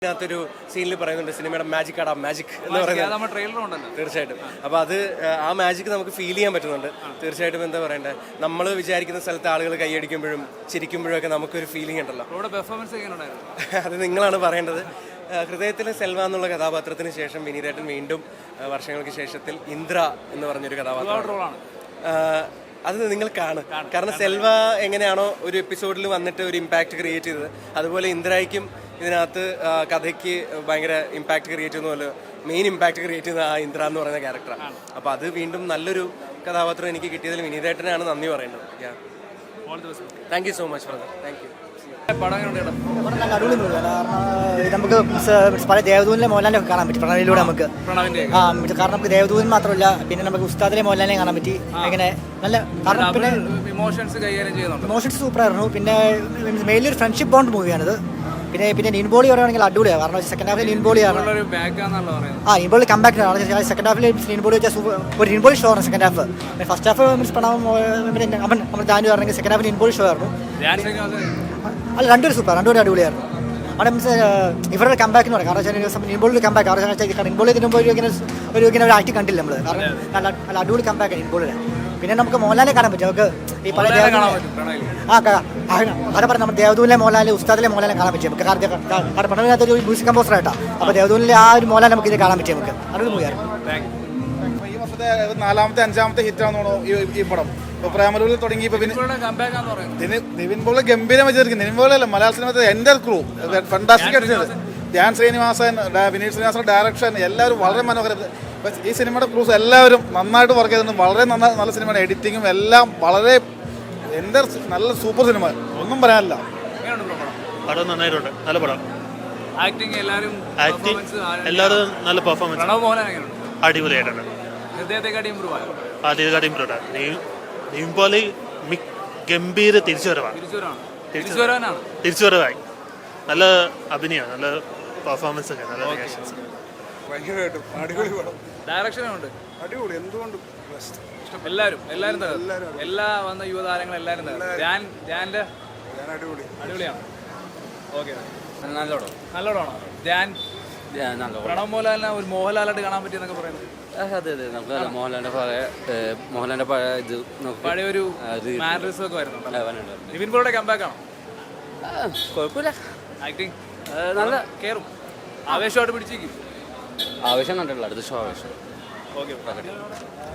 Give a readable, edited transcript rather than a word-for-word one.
ഇതിനകത്തൊരു സീനിൽ പറയുന്നുണ്ട് സിനിമയുടെ മാജിക് ആടാ മാജിക് എന്ന് പറയുന്നത്. തീർച്ചയായിട്ടും. അപ്പോൾ അത് ആ മാജിക് നമുക്ക് ഫീൽ ചെയ്യാൻ പറ്റുന്നുണ്ട്. തീർച്ചയായിട്ടും എന്താ പറയണ്ടേ, നമ്മൾ വിചാരിക്കുന്ന സ്ഥലത്ത് ആളുകൾ കൈയടിക്കുമ്പോഴും ചിരിക്കുമ്പോഴും ഒക്കെ നമുക്കൊരു ഫീലിംഗ് ഉണ്ടല്ലോ. അത് നിങ്ങളാണ് പറയേണ്ടത്. ഹൃദയത്തിലെ സെൽവ എന്നുള്ള കഥാപാത്രത്തിന് ശേഷം വിനീതേട്ടൻ വീണ്ടും വർഷങ്ങൾക്ക് ശേഷത്തിൽ ഇന്ദ്ര എന്ന് പറഞ്ഞൊരു കഥാപാത്രമാണ്. അത് നിങ്ങൾ കാണും. കാരണം സെൽവ എങ്ങനെയാണോ ഒരു എപ്പിസോഡിൽ വന്നിട്ട് ഒരു ഇമ്പാക്റ്റ് ക്രിയേറ്റ് ചെയ്തത്, അതുപോലെ ഇന്ദ്രയ്ക്കും ഇതിനകത്ത് കഥയ്ക്ക് ഭയങ്കര ഇമ്പാക്റ്റ് ക്രിയേറ്റ് ചെയ്യുന്ന മെയിൻ ഇമ്പാക്റ്റ് ക്രിയേറ്റ് ചെയ്യുന്ന ആ ഇന്ദ്ര എന്ന് പറയുന്ന ക്യാരക്ടറാണ്. അപ്പോൾ അത് വീണ്ടും നല്ലൊരു കഥാപാത്രം എനിക്ക് കിട്ടിയതിൽ വിനീതേട്ടനാണ് നന്ദി പറയുന്നത്. Thank you so much brother. Thank you. നല്ല അടിപൊളി മൂവിയാണ്. കാരണം നമുക്ക് പല ദേവദൂനിലെ മോഹൻലാലിനെ കാണാൻ പറ്റി പ്രണവിലൂടെ നമുക്ക്. കാരണം നമുക്ക് ദേവദൂതൻ മാത്രമല്ല, പിന്നെ നമുക്ക് ഉസ്താദിലെ മോഹൻലാലിനെ കാണാൻ പറ്റി. അങ്ങനെ നല്ല കാരണം പിന്നെ ഇമോഷൻസ് സൂപ്പറായിരുന്നു. പിന്നെ മെയിൻലി ഒരു ഫ്രണ്ട്ഷിപ്പ് ബോണ്ട് മൂവിയാണിത്. പിന്നെ നിൻബോളി പറയുകയാണെങ്കിൽ അടിപൊളിയാണ്. കാരണം സെക്കൻഡ് ഹാഫിൽ നിൻബോളിയാണ്. നിൻബോളി കംബാക്ക് ആണ്. സെക്കൻഡ് ഹാഫിൽ നിൻബോളി വെച്ചാൽ ഒരു നിൻബോളി ഷോ ആണ് സെക്കൻഡ് ഹാഫ്. ഫസ്റ്റ് ഹാഫ് നമ്മൾ ജാനു പറഞ്ഞെങ്കിൽ സെക്കൻഡ് ഹാഫിൽ നിൻബോളി ഷോ ആയിരുന്നു. അല്ല, രണ്ടുപേരും സൂപ്പർ, രണ്ടുപേരും അടിപൊളിയായിരുന്നു. അവിടെ മീൻസ് ഇവരുടെ കംബാക്ക് എന്ന് പറയും. കാരണം നിൻബോളിൽ കംബാക്ക്. കാരണം നിൻബോളി ഇതിനുമ്പോൾ ഇങ്ങനെ ഒരു ആക്ട് കണ്ടില്ല നമ്മൾ. കാരണം നല്ല അടിപൊളി കംബാക്ക് നിൻബോളിലെ. പിന്നെ നമുക്ക് മോഹൻലാലിനെ കാണാൻ പറ്റും. നമുക്ക് ഈ പല അതെ പറഞ്ഞ നമ്മുടെ ദേവദൂനിലെ മോഹൻലാലിലെ ഉസ്താദിലെ മോഹൻലാലിനെ കാണാൻ പറ്റും നമുക്ക്. കാരണം പ്രണവിനകത്ത് ഒരു മ്യൂസിക് കമ്പോസർ ആയിട്ടാണ്. അപ്പോൾ ദേവദൂനിലെ ആ ഒരു മോഹൻലാൽ നമുക്ക് ഇത് കാണാൻ പറ്റും. നമുക്ക് അടിപൊളി മൂവിയായിരുന്നു. ഈ വർഷത്തെ 4ാമത്തെ 5ാമത്തെ ഹിറ്റാണെന്ന് തോന്നുന്നു ഈ പടം. ഇപ്പോൾ പ്രേമലൂരിൽ തുടങ്ങി ഇപ്പോൾ നിവിൻ പോളി ഗംഭീരം വെച്ചിരിക്കും. നിവിൻ പോളി അല്ല, മലയാള സിനിമത്തെ എൻ്റെ ക്രൂ ഫണ്ടാസ്റ്റിക് അടിച്ചത്. ധ്യാൻ ശ്രീനിവാസൻ, വിനീത് ശ്രീനിവാസൻ ഡയറക്ഷൻ എല്ലാവരും വളരെ മനോഹരം. ഈ സിനിമയുടെ ക്രൂസ് എല്ലാവരും നന്നായിട്ട് വർക്ക് ചെയ്തിട്ടുണ്ട്. വളരെ നല്ല സിനിമയുടെ എഡിറ്റിങ്ങും എല്ലാം വളരെ എൻ്റെ നല്ല സൂപ്പർ സിനിമ, ഒന്നും പറയാനില്ല. പടം നന്നായിട്ടുണ്ട്, നല്ല പടം. ആക്ടിങ് എല്ലാവരും നല്ല പെർഫോമൻസ്, അടിപൊളിയായിട്ടുണ്ട്. ആദ്യത്തെക്കാട്ടി ഇമ്പ്രൂവ് ആണ്. നിവിൻപോളി ഗംഭീര തിരിച്ചുവരവായി. നല്ല അഭിനയമാണ്, നല്ല പെർഫോമൻസ് ഒക്കെ, നല്ല റിയാക്ഷൻസ്. ഭയങ്കരമായിട്ടും അടിപൊളി പടം. ഡയറക്ഷനുണ്ട് അടിപൊളി. എന്തുകൊണ്ടും എല്ലാവരും എല്ലാ വന്ന യുവതാരങ്ങളും എല്ലാവരും അടിപൊളിയാണ്. ഓക്കെ, നല്ലോണോ ധ്യാൻ? പ്രണവ് മോഹൻലാലിനെ ഒരു മോഹൻലാലായിട്ട് കാണാൻ പറ്റിയെന്നൊക്കെ പറയുന്നത്. അതെ, നമുക്ക് മോഹൻലാലിന്റെ പഴയ ഒരു മാനറിസം ഒക്കെ വരുന്നുണ്ട്. നിവിൻ പോളിയുടെ കംബാക്ക് ആണോ? കുഴപ്പമില്ല, ആക്ടിങ് നല്ല കയറും. ആവേശമായിട്ട് പിടിച്ചേക്കും. ആവേശം കണ്ടിട്ടില്ല, അടുത്ത ഷോ ആവേശം. ഓക്കെ.